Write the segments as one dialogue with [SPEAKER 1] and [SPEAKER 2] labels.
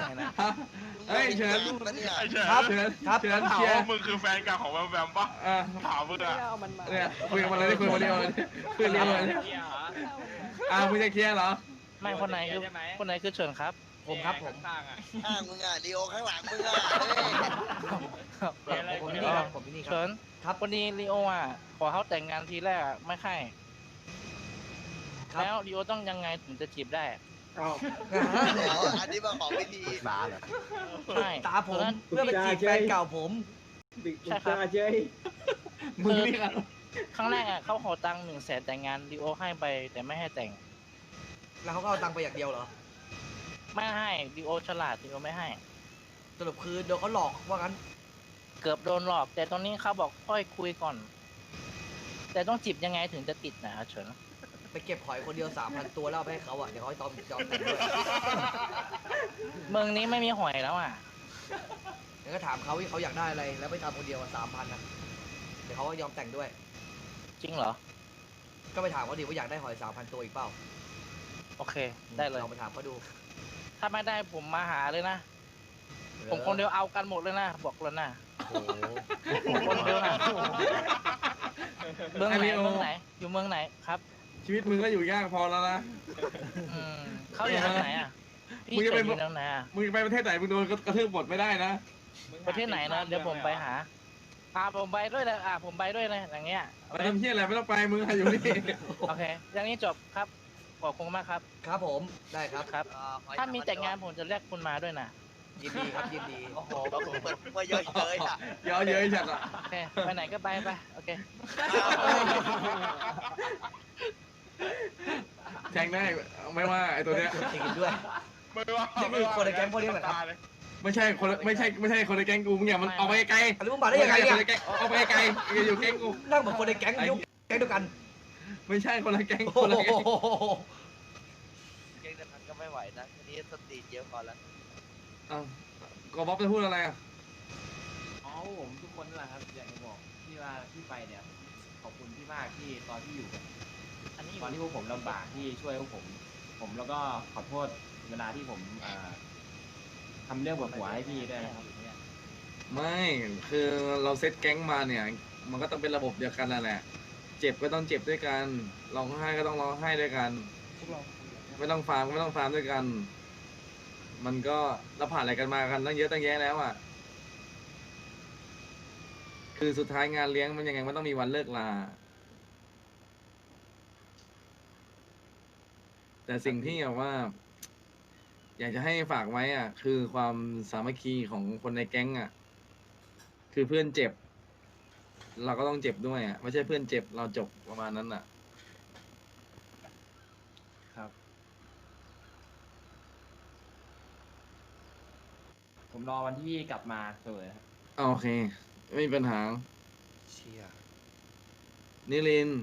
[SPEAKER 1] นะ
[SPEAKER 2] เฮ้ยเชิญ
[SPEAKER 3] ไอ้เฉิน
[SPEAKER 4] ครับ
[SPEAKER 2] เชิญ
[SPEAKER 4] ครับ
[SPEAKER 2] เชิญ
[SPEAKER 3] ถาม
[SPEAKER 2] เชียร์
[SPEAKER 3] ว่ามึงคือแฟนเก่าของแวมแวมปะ
[SPEAKER 2] เออ
[SPEAKER 3] ถามมึงอะ
[SPEAKER 2] เนี่ยคุยกันมาเลยคุยมาเดียวเลยคุยเรียวเลยมึงจะเคลียร์เหรอ
[SPEAKER 1] ไม่คนไหนคือคนไหนคือเฉินครับ
[SPEAKER 4] ผมครับผม
[SPEAKER 5] ข้างมึงอ่ะลีโอข้างหลังมึงอ่ะ
[SPEAKER 4] ผมที่นี่ครับผมที่นี่ครับ
[SPEAKER 1] เฉิน
[SPEAKER 4] ครับ
[SPEAKER 1] วันนี้ลีโออ่ะขอเขาแต่งงานทีแรกอะไม่ให้
[SPEAKER 4] ครับ
[SPEAKER 1] แล้วลีโอต้องยังไงถึงจะจีบได้
[SPEAKER 5] เดี๋ยวอันนี้มาขอวิธี
[SPEAKER 6] สาเหรอ
[SPEAKER 1] ใช่
[SPEAKER 4] ตาผมเพื่อไปจีบแฟนเก่าผม
[SPEAKER 1] ใช่ครับ
[SPEAKER 2] มึงนี่ครับ
[SPEAKER 1] ครั้งแรกอ่ะเขาขอตังค์100,000แต่งงานลีโอให้ไปแต่ไม่ให้แต่ง
[SPEAKER 4] แล้วเขาก็เอาตังค์ไปอย่างเดียวเหรอ
[SPEAKER 1] ไม่ให้ลีโอฉลาดลีโอไม่ให้
[SPEAKER 4] สรุปคือโดนเขาหลอกว่างั้น
[SPEAKER 1] เกือบโดนหลอก แต่ตอนนี้เขาบอกค่อยคุยก่อน แต่ต้องจีบยังไงถึงจะติดนะเฉิน
[SPEAKER 4] ไปเก็บหอยคนเดียว 3,000 ตัวแล้วเอาไปให้เขาอ่ะเดี๋ยวเขายอมแต่งด้วย
[SPEAKER 1] เมืองนี้ไม่มีหอยแล้วอ่ะ
[SPEAKER 4] เดี๋ยวก็ถามเขาว่าเขาอยากได้อะไรแล้วไปทำคนเดียว3,000นะเดี๋ยวเขาก็ยอมแต่งด้วย
[SPEAKER 1] จริงเหรอ
[SPEAKER 4] ก็ไปถามเขาดิว่าอยากได้หอย 3,000 ตัวอีกเปล่า
[SPEAKER 1] โอเค ได้เลย
[SPEAKER 4] ลองไปถามเขาดู
[SPEAKER 1] ถ้าไม่ได้ผมมาหาเลยนะ ผมคนเดียวเอากันหมดเลยนะ บอกเลยนะ
[SPEAKER 4] โอ้โห
[SPEAKER 1] ผมคนเดียวนะเมืองไหนเมืองไหน อยู่เมืองไหนครับ
[SPEAKER 2] ชีวิตมึงก็อยู่ยากพอแล้วนะ
[SPEAKER 1] อืมเขาอยู่เมืองไหนอ่ะพี่
[SPEAKER 2] มึงจะ
[SPEAKER 1] เฉิ
[SPEAKER 2] ไป
[SPEAKER 1] นอยู่เมืองไหนอ่ะ
[SPEAKER 2] มึงไปประเทศไหนมึงโดนกระทืบหมดไม่ได้นะ
[SPEAKER 1] ประเทศไหนนะเดี๋ยวผมไปหาผมไปด้วยเลยผมไปด้วยเลยอย่างเงี้ย
[SPEAKER 2] ไปทำเพี้ยอะไรไม่ต้องไปมึงอยู่นี่
[SPEAKER 1] โอเค อย่างนี้จบครับ ขอบคุณมากครับ
[SPEAKER 4] ครับผมได้ครับ
[SPEAKER 1] ครับ ถ้ามีแต่งงานผมจะเรียกคุณมาด้วยนะ
[SPEAKER 4] ยินดีครับยินดี
[SPEAKER 5] โอ้โหเหมือนมาเยอะเลยอ่ะ
[SPEAKER 2] เยอะเยอะจัดอ่ะ
[SPEAKER 1] โอเค ไปไหนก็ไปไป โอเค
[SPEAKER 2] แทงได้ไม่ว่าไอ้ตัวเนี้ย
[SPEAKER 4] จริงด้วย
[SPEAKER 3] ไม่ว่า
[SPEAKER 4] นี่คือคนในแก๊งพวกนี้เหรอครับ
[SPEAKER 2] ไม่ใช่คนไม่ใช่คนในแก๊งกูมึงอย่ามันออกไปไกล
[SPEAKER 4] อันนี้มึงมาได้ยังไงเนี่ย
[SPEAKER 2] ออกไปไกลอย่าอยู่แก๊งกู
[SPEAKER 4] นั่งเหมือนคนในแก๊งยุคแก๊งเดียวกัน
[SPEAKER 2] ไม่ใช่คนละแก๊ง
[SPEAKER 4] โอ้
[SPEAKER 2] คนละแก๊ง
[SPEAKER 4] โห
[SPEAKER 5] เก่งแต่มันก็ไม่ไหวนะทีนี้สติเยอะก่อนแล้ว
[SPEAKER 2] อ้าวก็บ๊อบจะพูดอะไรอ่ะ
[SPEAKER 6] อ๋อผมทุกคนนั่นแหละครับอยากจะบอกที่ว่าที่ไปเนี่ยขอบคุณพี่มากที่ตอนที่อยู่กัน
[SPEAKER 1] อันนี้
[SPEAKER 6] ตอนที่พวกผมลำบากที่ช่วยพวกผมแล้วก็ขอโทษเวลาที่ผมทำเรื่องปวดหัวให้พี่ด้วยนะครับ
[SPEAKER 2] ไม่คือเราเซตแก๊งมาเนี่ย มันก็ต้องเป็นระบบเดียวกันนั่นแหละ เจ็บก็ต้องเจ็บด้วยกันร้องไห้ก็ต้องร้องไห้ด้วยกัน ไม่ต้องฟาร์มก็ไม่ต้องฟาร์มด้วยกัน มันก็เราผ่านอะไรกันมากันตั้งเยอะตั้งแยะแล้วอ่ะ คือสุดท้ายงานเลี้ยงมันยังไงมันต้องมีวันเลิกลา แต่สิ่งที่แบบว่า อยากจะให้ฝากไว้อ่ะ คือความสามัคคีของคนในแก๊งอ่ะ คือเพื่อนเจ็บ เราก็ต้องเจ็บด้วยอ่ะไม่ใช่เพื่อนเจ็บเราจบประมาณนั้นอ่ะ
[SPEAKER 6] ครับ ผมรอวันที่พี่กลับมาเสมอครับ
[SPEAKER 2] โอเค ไม่มีปัญหา
[SPEAKER 4] เชี่ย
[SPEAKER 2] นิลินทร์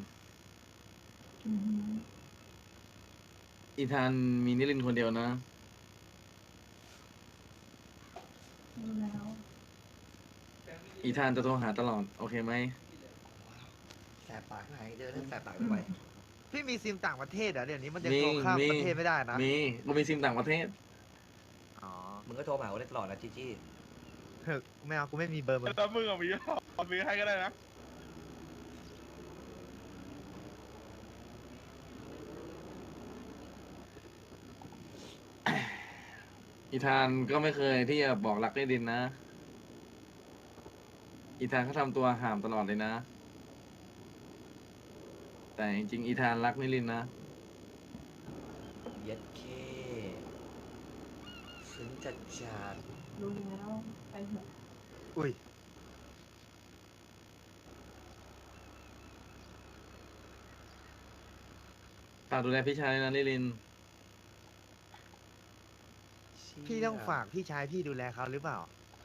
[SPEAKER 2] อีธานมีนิลินทร์คนเดียวนะ อีธานจะโทรหาตลอด โอเคไหม
[SPEAKER 4] แสบปากไหนเจอเรื่องแสบปากทำไม
[SPEAKER 5] พี่มีซิมต่างประเทศเหรอเดี๋ยวนี้มันยัง
[SPEAKER 2] มี
[SPEAKER 5] โทรข้าม
[SPEAKER 2] มี
[SPEAKER 5] ประเทศไม่ได้นะ
[SPEAKER 2] มีกูมีซิมต่างประเทศ
[SPEAKER 5] อ๋อ
[SPEAKER 4] มึงก็โทรมาหาเขาได้ตลอดนะจีจี้
[SPEAKER 5] เฮ้ยไม่เอากูไม่มีเบอร์มึง
[SPEAKER 3] แล้วมึงเอามีให้ก็ได้นะ
[SPEAKER 2] อีธานก็ไม่เคยที่จะบอกรักนิลินทร์นะ อีธานเขาทำตัวห่ามตลอดเลยนะ แต่จริงๆอีธานรักนิลินทร์นะ
[SPEAKER 4] เย็ดเคซึ้งจัดจัด
[SPEAKER 7] รู้แล้วไปเถอะ
[SPEAKER 5] อุ้ย
[SPEAKER 2] ฝากดูแลพี่ชายนะนิลินทร์
[SPEAKER 5] พี่ต้องฝากพี่ชายพี่ดูแลเขาหรือเปล่า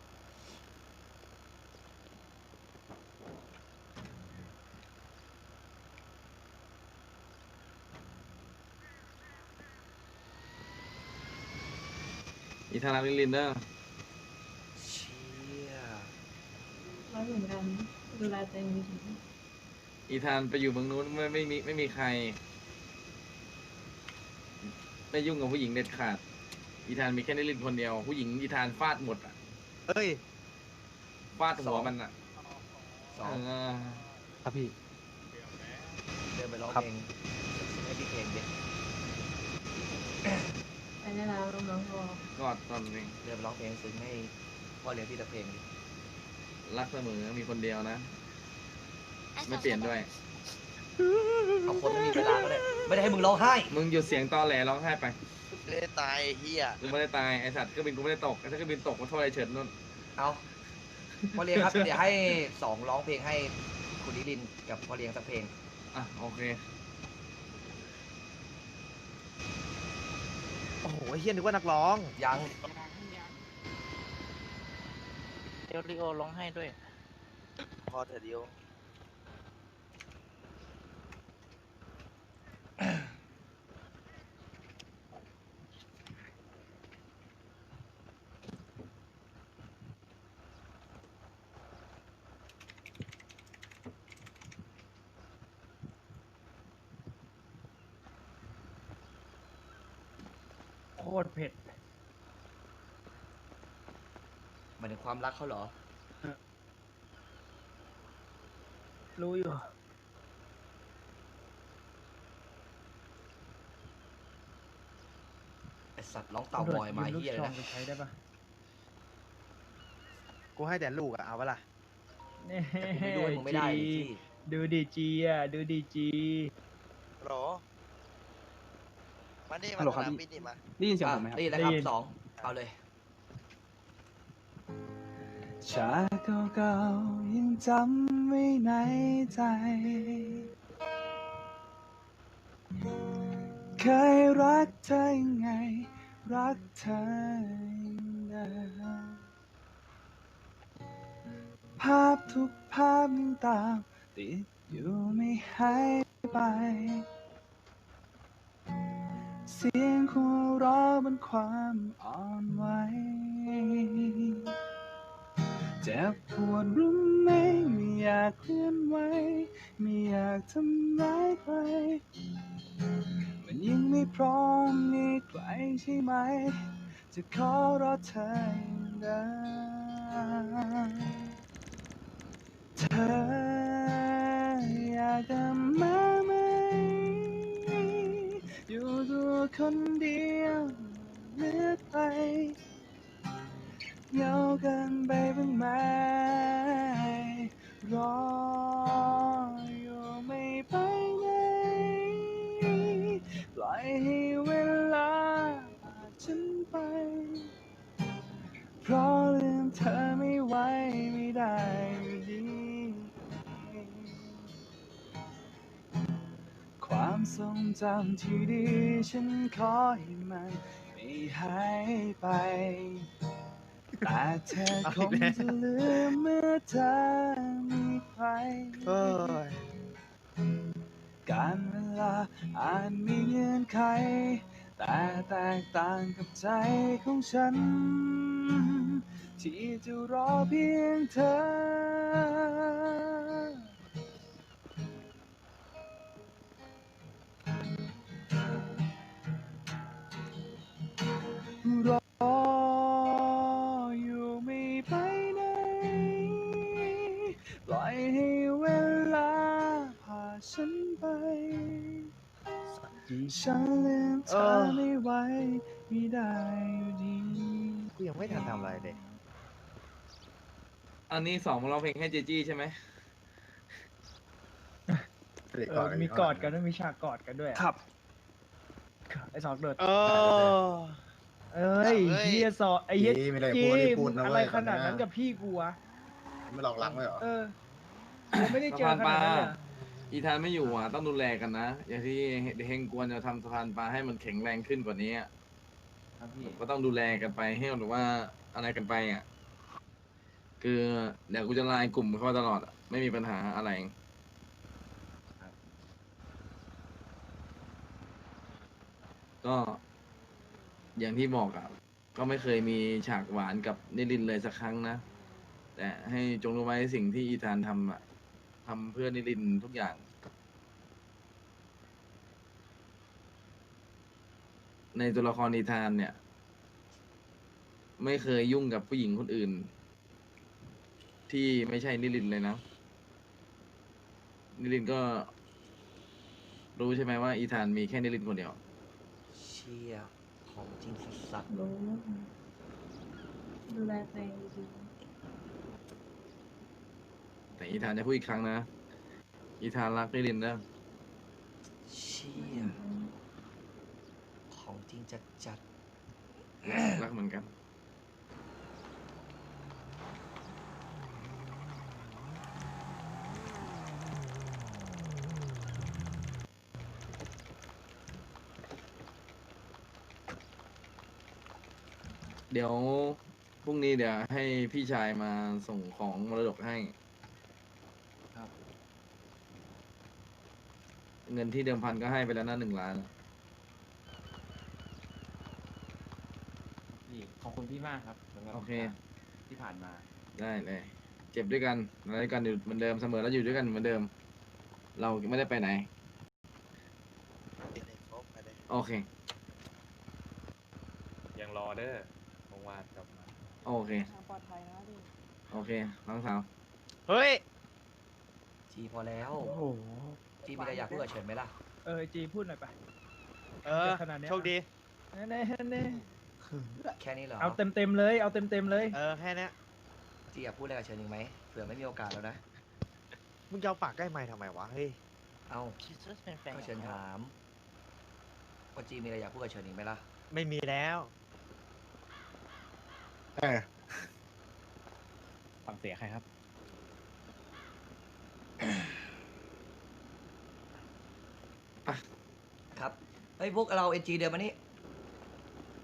[SPEAKER 2] อีธานรักนิลินทร์เด้อ
[SPEAKER 4] เชี่ย
[SPEAKER 7] ร้อยเหมือนกันดูแลตัวเองดี
[SPEAKER 2] อีธานไปอยู่เมืองนู้นไม่มีใคร ไม่ยุ่งกับผู้หญิงเด็ดขาดอีธานมีแค่นิรินทร์คนเดียว ผู้หญิงอีธานฟาดหมดอ่ะ
[SPEAKER 8] เอ้ย
[SPEAKER 2] ฟาดหัวมันอ่ะ
[SPEAKER 4] สอง
[SPEAKER 2] เออ
[SPEAKER 8] ครับพี่
[SPEAKER 4] เดินไปร้อง
[SPEAKER 8] ครับ
[SPEAKER 4] เพลงให้พี่เพลงดิ
[SPEAKER 7] ไปได้แล้วน้องๆบอก
[SPEAKER 2] กอดตอนนี้
[SPEAKER 4] เดินไปร้องเพลงซึ้งให้พ่อเลี้ยงพี่ตะเพลงดิ
[SPEAKER 2] รักเสมอมีคนเดียวนะ ไม่เปลี่ยนด้วย
[SPEAKER 4] เอาคนไม่มีเวลาก็ได้ไม่ได้ให้มึงร้องไห้
[SPEAKER 2] มึงหยุดเสียงตอแหลร้องไห้ไป
[SPEAKER 5] เล่นตายไอ้เฮีย
[SPEAKER 2] กูไม่ได้ตายไอสัตว์เครื่องบินกูไม่ได้ตกถ้าเครื่องบินตกมาโทษไอเฉินนู่น
[SPEAKER 4] เอาพ่อเลี้ยงครับ เดี๋ยวให้สองร้องเพลงให้คุณนิรินทร์กับพ่อเลี้ยงสักเพลง
[SPEAKER 2] อ่ะโอเค
[SPEAKER 8] โอ้โหเฮียนึกว่านักร้อง
[SPEAKER 4] ยัง
[SPEAKER 1] เดลิโอร้องให้ด้วย
[SPEAKER 5] พอเถอะเดียว
[SPEAKER 9] โคตรเผ็ด
[SPEAKER 4] หมายถึงความรักเขาเหรอ
[SPEAKER 9] รู้อยู่
[SPEAKER 4] ไอสัตว์ร้องเต่างอยมาเฮียเลย
[SPEAKER 9] ลูกซอง
[SPEAKER 4] นะ
[SPEAKER 9] ไปใช้ได้ปะ
[SPEAKER 8] กูให้แต่ลูกอะเอาปะล่ะ
[SPEAKER 9] นี่
[SPEAKER 4] แต่กูไม่ดูให้มึงไม่ได้ดิ
[SPEAKER 9] จี
[SPEAKER 4] ที่
[SPEAKER 9] ดูดีจีอ่ะ ดูดีจี
[SPEAKER 5] ฮัลโหลมานี่มา
[SPEAKER 8] ฮัลโหล
[SPEAKER 5] ส
[SPEAKER 8] ครับ
[SPEAKER 5] นาม
[SPEAKER 8] พี่
[SPEAKER 5] บินนี่มา
[SPEAKER 8] ได้ยินเสียงผมไหมครับ
[SPEAKER 4] นี่แหละครับสองเอาเลย
[SPEAKER 8] ชาเก่าๆยังจำไว้ในใจ เคยรักเธอยังไง รักเธออย่างเดิมภาพทุกภาพยังตามติดอยู่ไม่หายไป เสียงหัวเราะบนความอ่อนไหวเจ็บปวดรู้ไหมไม่อยากเคลื่อนไหวไม่อยากทำร้ายใครมันยังไม่พร้อมมีใครใช่ไหมจะขอรอเธออย่างเดิมเธออยากกลับมาไหมอยู่ตัวคนเดียวเลือกไปเหงาเกินไปบ้างไหมรออยู่ไม่ไปไหนปล่อยให้เวลาพาฉันไปเพราะลืมเธอไม่ไหวไม่ได้อยู่ดี ความทรงจำที่ดีฉันขอให้มันไม่หายไป แต่เธอคงจะลืมเมื่อเธอมีใคร การเวลาอาจมีเงื่อนไข แต่แตกต่างกับใจของฉัน ที่จะรอเพียงเธอ รออยู่ไม่ไปไหนปล่อยให้เวลาพาฉันไปฉันลืมเธอไม่ไหวไม่ได้อยู่ดี
[SPEAKER 10] กูยังไม่ทันทำอะไรเลย
[SPEAKER 2] อันนี้สองมาร้องเพลงให้เจจี้ใช่ไหม
[SPEAKER 9] มีกอดกันด้วยมีฉากกอดกันด้วยอะ
[SPEAKER 8] ครับ
[SPEAKER 9] ไอ้สองเดือด
[SPEAKER 8] เออ
[SPEAKER 9] เอ้ยเฮียสอไอ้เฮีย
[SPEAKER 10] ไม่ได้
[SPEAKER 9] จี
[SPEAKER 10] พูดนะ
[SPEAKER 9] อะไร
[SPEAKER 10] เว้ย
[SPEAKER 9] ขนาด
[SPEAKER 10] ตอนเนี้ย
[SPEAKER 9] นั้นกับพี่กูวะ
[SPEAKER 10] ไม่หลอกลังเลยเหรอ
[SPEAKER 9] เออกูไม่ได้เจอขนาดนั้นเลยอะ
[SPEAKER 2] อีธานไม่อยู่อ่ะต้องดูแลกันนะ อย่างที่เฮงกวนจะทำสะพานปลาให้มันแข็งแรงขึ้นกว่านี้อะ
[SPEAKER 6] ครับพี่
[SPEAKER 2] ก็ต้องดูแลกันไปให้หรือว่าอะไรกันไปอ่ะ คือเดี๋ยวกูจะไลน์กลุ่มเข้ามาตลอดอะไม่มีปัญหาอะไร ก็อย่างที่บอกอ่ะ ก็ไม่เคยมีฉากหวานกับนิรินทร์เลยสักครั้งนะ แต่ให้จงรู้ไว้สิ่งที่อีธานทำอ่ะทำเพื่อนิรินทร์ทุกอย่าง ในตัวละครอีธานเนี่ยไม่เคยยุ่งกับผู้หญิงคนอื่น ที่ไม่ใช่นิลินทร์เลยนะ นิลินทร์ก็ รู้ใช่ไหมว่าอีธานมีแค่นิลินทร์คนเดียว
[SPEAKER 4] เชี่ยของจริงสัส
[SPEAKER 7] รู้ดูแลตัวเองดี
[SPEAKER 2] แต่อีธานจะพูดอีกครั้งนะ อีธานรักนิลินทร์นะ
[SPEAKER 4] ๆเชี่ยของจริงจัด
[SPEAKER 2] รักเหมือนกัน เดี๋ยวพรุ่งนี้เดี๋ยวให้พี่ชายมาส่งของมรดกให้
[SPEAKER 6] ครับ
[SPEAKER 2] เงินที่เดิมพันก็ให้ไปแล้วนะ1 ล้าน
[SPEAKER 6] พี่ขอบคุณพี่มากครับสำหรับ
[SPEAKER 2] โอเค
[SPEAKER 6] ที่ผ่านมา
[SPEAKER 2] ได้เลย เจ็บด้วยกันอะไรด้วยกันอยู่เหมือนเดิมเสมอแล้วอยู่ด้วยกันเหมือนเดิม เราไม่ได้ไปไหน
[SPEAKER 5] เดี๋ยวโฟกไปเลย
[SPEAKER 2] โอเค
[SPEAKER 3] ยังรอเด้อเมื่อวานกลับมา
[SPEAKER 2] โอเค
[SPEAKER 7] ๆปลอดภัยนะดิ
[SPEAKER 2] โอเค น้องสาว
[SPEAKER 5] เฮ้ย
[SPEAKER 4] ๆ จีพอแล้ว
[SPEAKER 9] โอ้โห
[SPEAKER 4] จีมีอะไรอยากพูดกับเฉินไหมล่ะ
[SPEAKER 9] จีพูดหน่อยไป
[SPEAKER 11] เออ
[SPEAKER 9] ขนาดเนี้ย
[SPEAKER 11] โชคดี
[SPEAKER 9] แน่แน่
[SPEAKER 4] แค่นี้เหรอ
[SPEAKER 9] เอาเต็มเลย เอาเต็มเลย
[SPEAKER 11] เออ แค่เนี้ย
[SPEAKER 4] จีอยากพูดอะไรกับเฉินอีกไหมเผื่อไม่มีโอกาสแล้วนะ
[SPEAKER 11] มึงจะเอาปากใกล้ไม้ทำไมวะ เฮ้ย
[SPEAKER 4] เอา
[SPEAKER 1] คิดว่าเป็นแฟน
[SPEAKER 4] ก็เฉินถามว่าจีมีอะไรอยากพูดกับเฉินอีกไหมล่ะ
[SPEAKER 11] ไม่มีแล้ว
[SPEAKER 9] ฟังเสียใครครับ
[SPEAKER 4] ครับ เฮ้ยพวกเราเอ็นจีเดินมานี่